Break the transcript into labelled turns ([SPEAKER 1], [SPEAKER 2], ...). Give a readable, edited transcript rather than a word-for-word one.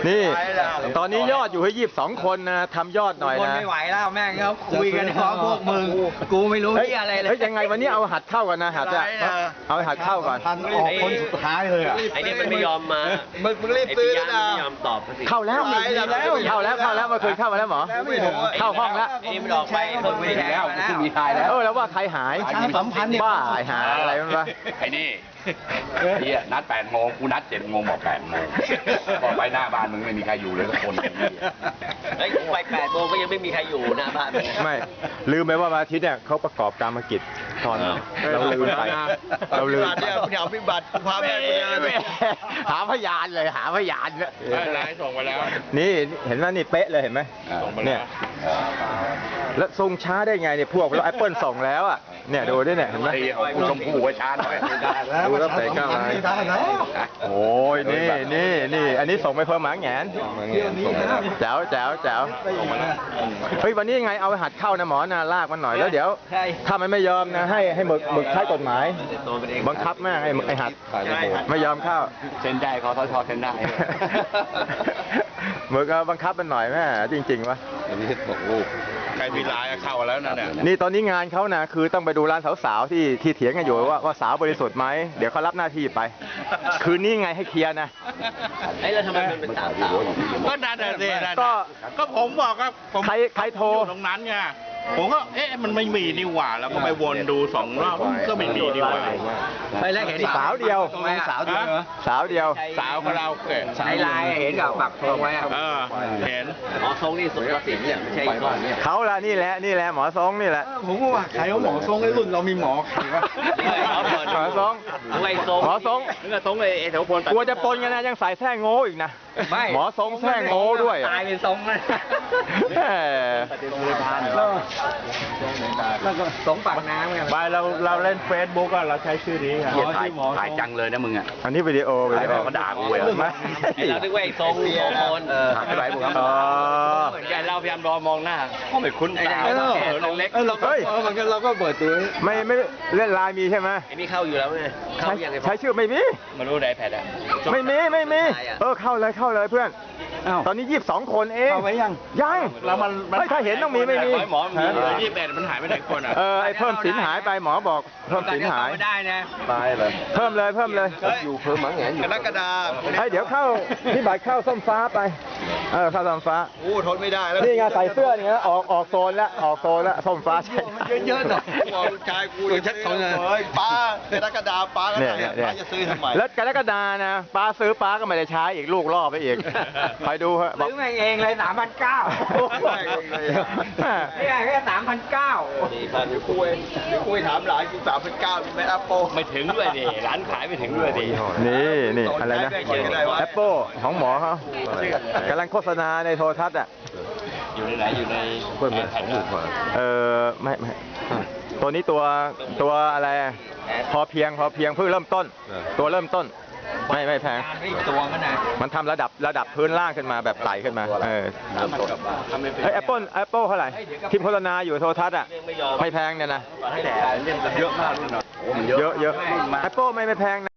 [SPEAKER 1] นี่ตอนนี้ยอดอยู่ให้22 คนนะทำยอดหน่อย
[SPEAKER 2] คน
[SPEAKER 1] นะ
[SPEAKER 2] ไม่ไหวแล้วแม่งเขาคุยกันเพราะพวกมึงกูไม่รู้ที่อะไรเลย
[SPEAKER 1] เฮ้ยยังไงวันนี้เอาหัดเข้ากันนะหัดอะเอาหัดเข้าก่อน
[SPEAKER 3] ออกคนสุดท้ายเลยอ่ะ
[SPEAKER 4] ไอ้นี่มันไม่ยอมมา
[SPEAKER 2] มึงรีบซื้อนะ
[SPEAKER 4] ไม่ยอมตอบสิ
[SPEAKER 1] เข้าแล้วเมื่อคืนเข้ามาแล้วหมอเข้าห้องแล้ว
[SPEAKER 4] ไอ้นี่มันออกไปเพิ่งไม่ได้แล้ว
[SPEAKER 3] มีทายแล้ว
[SPEAKER 1] แล้วว่าใครหาย
[SPEAKER 3] ประชาสัมพันธ์เนี่ย
[SPEAKER 1] บ้าหายอะไรมันวะ
[SPEAKER 5] ไอ้นี่พี่นัด8 โมงกูนัด7 โมงบอก8 โมงบอกไปหน้าบ้านมึงไม่มีใครอยู่เลยสักคน
[SPEAKER 4] ไอ้ไป8 โมงก็ยังไม่มีใครอยู่หน้าบ้าน
[SPEAKER 1] ไม่ลืมไปว่าวันอาทิตย์เนี่ยเขาประกอบกรรมกิจตอนเราลืมไปเราลืมไป
[SPEAKER 2] เนี่ยพิบัติพาแม่กูเดิน
[SPEAKER 1] หาพยานเลยหาพยานเนี่ย
[SPEAKER 5] ไลน์ส่งไปแล้ว
[SPEAKER 1] นี่เห็นไหมนี่เป๊ะเลยเห็นไหมเนี่ยแล้วส่งช้าได้ไงเนี่ยพวกเราแอปเปิลส่งแล้วอ่ะเนี่ยดูด้วยเนี่ยเห็นไหม
[SPEAKER 5] ไอ้กูชมพู่ไว้ช้าหน่อย
[SPEAKER 1] ดูแล้วใส่ก้าว
[SPEAKER 3] ไม่ได้แล้ว
[SPEAKER 1] โอ้ยนี่อันนี้ส่งไปเพิ่มหมาแหงนแจ๋วเฮ้ยวันนี้ยังไงเอาไปหัดเข้านะหมอนะลากมันหน่อยแล้วเดี๋ยวถ้ามันไม่ยอมนะให้หมึกใช้กฎหมายบังคับแม่งไอ้หัดไม่ยอมเข้า
[SPEAKER 5] เซ็นได้คอสชเซ็นได้
[SPEAKER 1] หมึกเอาบังคับมันหน่อยแม่จริงๆวะ
[SPEAKER 5] ใครมีไลน์เข้าแล้วนะเนี่ย
[SPEAKER 1] นี่ตอนนี้งานเขานะคือต้องไปดูร้านสาวๆที่เถียงกันอยู่ว่าสาวบริสุทธิ์ไหมเดี๋ยวเขารับหน้าที่ไป คืนนี้ไงให้เคลียร์นะ
[SPEAKER 4] ไอ้แล้วทำไมมันเป็นสาว
[SPEAKER 5] ก็นั่นน่ะสิ
[SPEAKER 1] ก็
[SPEAKER 5] ผมบอกว่าผม
[SPEAKER 1] ใครโทร
[SPEAKER 5] อยู่ตรงนั้นไงผมก็มันไม่มีนี่หว่าแล้วก็ไปวนดู2 รอบก็ไม่มีนี่หว่า
[SPEAKER 2] ไปแล้วเห็น
[SPEAKER 1] สาวเดียว
[SPEAKER 2] ตรงนั้นสาวเดียวเหรอ
[SPEAKER 1] สาวเดียว
[SPEAKER 5] สาวคาราโอเกะ
[SPEAKER 2] ในไลน์เห็นกับปักธงไว้อะ
[SPEAKER 5] เห็น
[SPEAKER 4] หมอทรงนี่สุดยอดสินเนี่ยไม่ใช่อีกคนเนี่ย
[SPEAKER 1] เขาละนี่แหละหมอทรงนี่แหละ
[SPEAKER 3] ผมก็ว่าใครเขาหมอทรงไอ้รุ่นเรามีหมอใครวะ
[SPEAKER 1] หมอทรง
[SPEAKER 4] ไอ้ทรง
[SPEAKER 1] หมอทรง
[SPEAKER 4] นึกว่าทรงไอ้แถวพล
[SPEAKER 1] กลัวจะปนกันนะยังใส่แท่งโง่อีกนะ
[SPEAKER 2] ไม่
[SPEAKER 1] หมอทรงแท่งโง่ด้วย
[SPEAKER 2] ตายเป็นทรงเลย
[SPEAKER 1] แหม
[SPEAKER 2] แล้วก็สงปากน้ำไง
[SPEAKER 5] ไปเราเล่นเฟซบุ๊กอะเราใช้ชื่อนี้อะถ่ายจังเลยนะมึงอะ
[SPEAKER 1] อันนี้วิดีโอ
[SPEAKER 5] เขาด่ากูเลย
[SPEAKER 1] ไม่
[SPEAKER 4] ไอ้เราคิดว่าไอ้ทรงโสพล
[SPEAKER 5] ไม่ไหวผม
[SPEAKER 1] อ๋อ
[SPEAKER 4] เหมือนกันเราพยายามมองหน้าเขาไม่คุ้นตาเล็ก
[SPEAKER 1] เฮ้ย
[SPEAKER 3] เราก็เปิดตัว
[SPEAKER 1] ไม่เล่นไลน์มีใช่ไหม
[SPEAKER 4] ไอ้นี่เข้าอยู่แล้วไงเข้ายังไง
[SPEAKER 1] ใช้ชื่อไม่มี
[SPEAKER 4] มารู้ไดแพดอะ
[SPEAKER 1] ไม่มีเข้าเลยเพื่อนตอนนี้22 คนเอง
[SPEAKER 3] เข้าไว้ยัง
[SPEAKER 1] แล้วมันถ้าเห็นต้องมีไม่มี
[SPEAKER 5] หมอมี28มันหายไปไหนคนอะ
[SPEAKER 1] ไอ้เพิ่มสินหายไปหมอบอกเพิ่มสินหาย
[SPEAKER 2] ไม่ได้นะ
[SPEAKER 1] ตายเลยเพิ่มเลย
[SPEAKER 2] อยู่เพิ่มหมังแงนอยู่กรกฎาคม
[SPEAKER 1] เดี๋ยวเข้าพี่บัตรเข้าส้มฟ้าไปเข้าส้มฟ้า
[SPEAKER 2] โอ้ทนไม่ได้แล้ว
[SPEAKER 1] นี่ไงใส่เสื้อนี่นะออกโซนแล้วส้มฟ้าใช่
[SPEAKER 2] เยอะๆหน่อยบอกลูกชายกูเลยชัดเขาเลยป้ากรกฎาคมป้าก็ได้ป้าจะซื้อทำไม
[SPEAKER 1] แล้วกรกฎานะป้าซื้อป้าก็ไม่ได้ใช้อีกลูกล่อไปอีกคอยดูฮะบอก
[SPEAKER 2] ซื้อมาเองเลย3,900นี่ไงแค่3,900คุยถามหลานกู3,900ไม่แอปเปิล
[SPEAKER 4] ไม่ถึงด้วยดิร้านขายไม่ถึงด้วยดิ
[SPEAKER 1] นี่อะไรนะแอปเปิลของหมอเขากำลังโฆษณาในโทรทัศน์อ่ะ
[SPEAKER 4] อยู่ในไหนอยู่ในแผ่น
[SPEAKER 1] ไม่ตัวนี้ตัวอะไรพอเพียงเพิ่งเริ่มต้น ตัวเริ่มต้นไม่แพง
[SPEAKER 2] ตัวมันนะ
[SPEAKER 1] มันทำระดับพื้นล่างขึ้นมาแบบไต่ขึ้นมาแอปเปิลเท่าไหร่ทีมโฆษณาอยู่โทรทัศน์อ่ะไม่แพงเนี่ยนะ
[SPEAKER 4] เยอะมากเลยเนาะ
[SPEAKER 1] เยอะแอปเปิลไม่แพงนะ